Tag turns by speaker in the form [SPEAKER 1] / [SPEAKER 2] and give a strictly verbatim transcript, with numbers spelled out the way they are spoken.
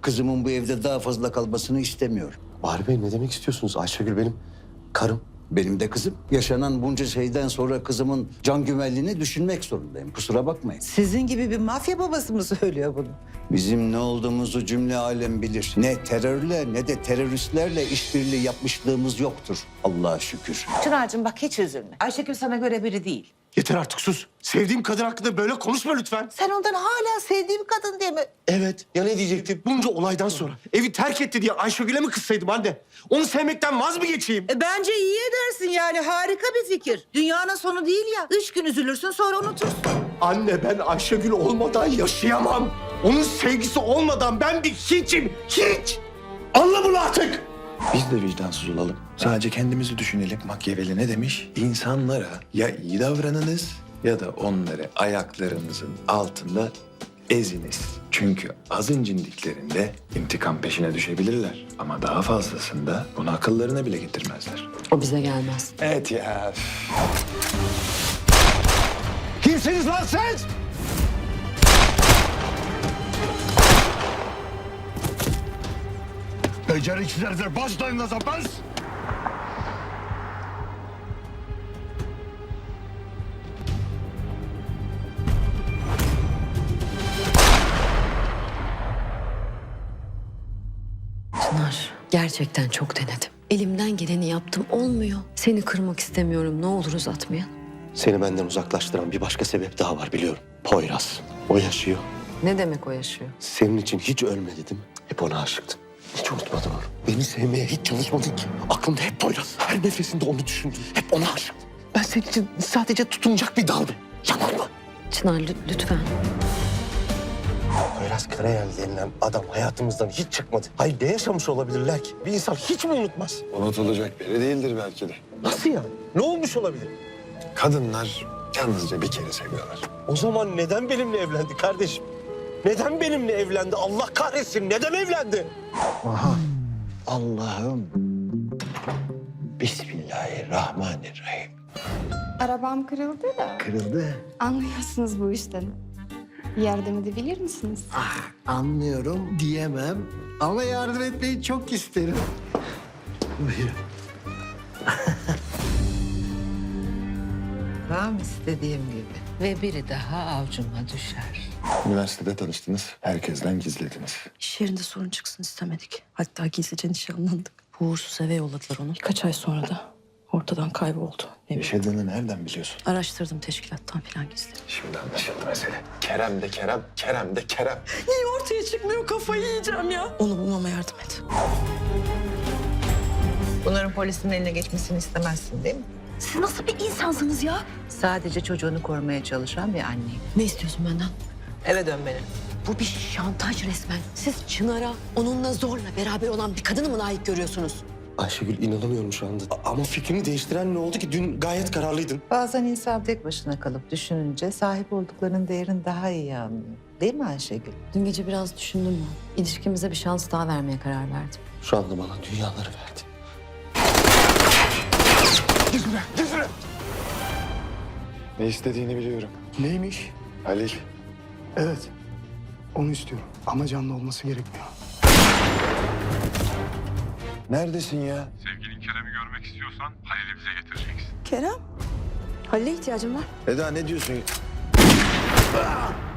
[SPEAKER 1] Kızımın bu evde daha fazla kalmasını istemiyorum.
[SPEAKER 2] Bahri Bey ne demek istiyorsunuz? Ayşegül benim karım.
[SPEAKER 1] Benim de kızım. Yaşanan bunca şeyden sonra kızımın can güvenliğini düşünmek zorundayım. Kusura bakmayın.
[SPEAKER 3] Sizin gibi bir mafya babası mı söylüyor bunu?
[SPEAKER 1] Bizim ne olduğumuzu cümle alem bilir. Ne terörle ne de teröristlerle işbirliği yapmışlığımız yoktur. Allah'a şükür.
[SPEAKER 3] Çınar'cığım bak hiç üzülme. Ayşegül sana göre biri değil.
[SPEAKER 2] Yeter artık sus. Sevdiğim kadın hakkında böyle konuşma lütfen.
[SPEAKER 3] Sen ondan hala sevdiğim kadın diye mi?
[SPEAKER 2] Evet. Ya ne diyecektim? Bunca olaydan sonra evi terk etti diye Ayşegül'e mi kızsaydım anne? Onu sevmekten vaz mı geçeyim?
[SPEAKER 3] E, bence iyi edersin yani harika bir fikir. Dünyanın sonu değil ya. Üç gün üzülürsün sonra unutursun.
[SPEAKER 2] Anne ben Ayşegül olmadan yaşayamam. Onun sevgisi olmadan ben bir hiçim. Hiç. Anla bunu artık.
[SPEAKER 4] Biz de vicdansız olalım. Sadece kendimizi düşünelim. Machiavelli ne demiş? İnsanlara ya iyi davranınız ya da onları ayaklarınızın altında eziniz. Çünkü az incindiklerinde intikam peşine düşebilirler. Ama daha fazlasında bunu akıllarına bile getirmezler.
[SPEAKER 5] O bize gelmez.
[SPEAKER 4] Evet ya.
[SPEAKER 2] Kimsiniz lan siz?
[SPEAKER 6] Beceriksizler başlayın o zaman.
[SPEAKER 5] Çınar, gerçekten çok denedim. Elimden geleni yaptım, olmuyor. Seni kırmak istemiyorum, ne olur uzatmayın.
[SPEAKER 2] Seni benden uzaklaştıran bir başka sebep daha var biliyorum. Poyraz. O yaşıyor.
[SPEAKER 5] Ne demek o yaşıyor?
[SPEAKER 2] Senin için hiç ölmedi değil mi? Hep ona aşıktım. Hiç unutmadım onu. Beni sevmeye hiç çalışmadın ki. Aklımda hep Poyraz. Her nefesinde onu düşündüm. Hep ona aşıktım. Ben senin için sadece tutunacak bir daldım. Yalan mı?
[SPEAKER 5] Çınar lü- lütfen.
[SPEAKER 2] Poyraz Karayel denilen adam hayatımızdan hiç çıkmadı. Hayır ne yaşamış olabilirler ki? Bir insan hiç mi unutmaz?
[SPEAKER 4] Unutulacak biri değildir belki de.
[SPEAKER 2] Nasıl yani? Ne olmuş olabilir?
[SPEAKER 4] Kadınlar yalnızca bir kere seviyorlar.
[SPEAKER 2] O zaman neden benimle evlendi kardeşim? Neden benimle evlendi? Allah kahretsin neden evlendi?
[SPEAKER 1] Aha. Allah'ım. Bismillahirrahmanirrahim.
[SPEAKER 7] Arabam kırıldı da
[SPEAKER 1] Kırıldı.
[SPEAKER 7] anlıyorsunuz bu işten. Yardım edebilir misiniz?
[SPEAKER 1] Anlıyorum diyemem ama yardım etmeyi çok isterim. Buyurun.
[SPEAKER 3] Tam istediğim gibi. Ve biri daha avcuma düşer.
[SPEAKER 4] Üniversitede tanıştınız, herkesten gizlediniz.
[SPEAKER 5] İş yerinde sorun çıksın istemedik. Hatta gizlice nişanlandık. Bu uğursuz eve yolladılar onu. Birkaç ay sonra da ortadan kayboldu. Ne bileyim.
[SPEAKER 4] Yaşadığını nereden biliyorsun?
[SPEAKER 5] Araştırdım teşkilattan falan gizli.
[SPEAKER 4] Şimdi anlaşıldı mesele. Kerem de Kerem, Kerem de Kerem.
[SPEAKER 5] Niye ortaya çıkmıyor, kafayı yiyeceğim ya. Onu bulmama yardım et.
[SPEAKER 3] Bunların polisin eline geçmesini istemezsin değil mi?
[SPEAKER 5] Siz nasıl bir insansınız ya?
[SPEAKER 3] Sadece çocuğunu korumaya çalışan bir anneyim.
[SPEAKER 5] Ne istiyorsun benden?
[SPEAKER 3] Eve dön benim.
[SPEAKER 5] Bu bir şantaj resmen. Siz Çınar'a onunla zorla beraber olan bir kadını mı layık görüyorsunuz?
[SPEAKER 2] Ayşegül inanamıyorum şu anda. A- Ama fikrini değiştiren ne oldu ki? Dün gayet kararlıydın.
[SPEAKER 3] Bazen insan tek başına kalıp düşününce sahip olduklarının değerini daha iyi anlıyor. Değil mi Ayşegül?
[SPEAKER 5] Dün gece biraz düşündüm ben. İlişkimize bir şans daha vermeye karar verdim.
[SPEAKER 2] Şu anda bana dünyaları verdi.
[SPEAKER 4] Ne istediğini biliyorum.
[SPEAKER 6] Neymiş?
[SPEAKER 4] Halil,
[SPEAKER 6] Evet. Onu istiyorum. Ama canlı olması gerekmiyor.
[SPEAKER 4] neredesin ya?
[SPEAKER 8] Sevgilin Kerem'i görmek istiyorsan Halil'i bize getireceksin.
[SPEAKER 5] Kerem, Halil'e ihtiyacım var.
[SPEAKER 4] Eda ne diyorsun?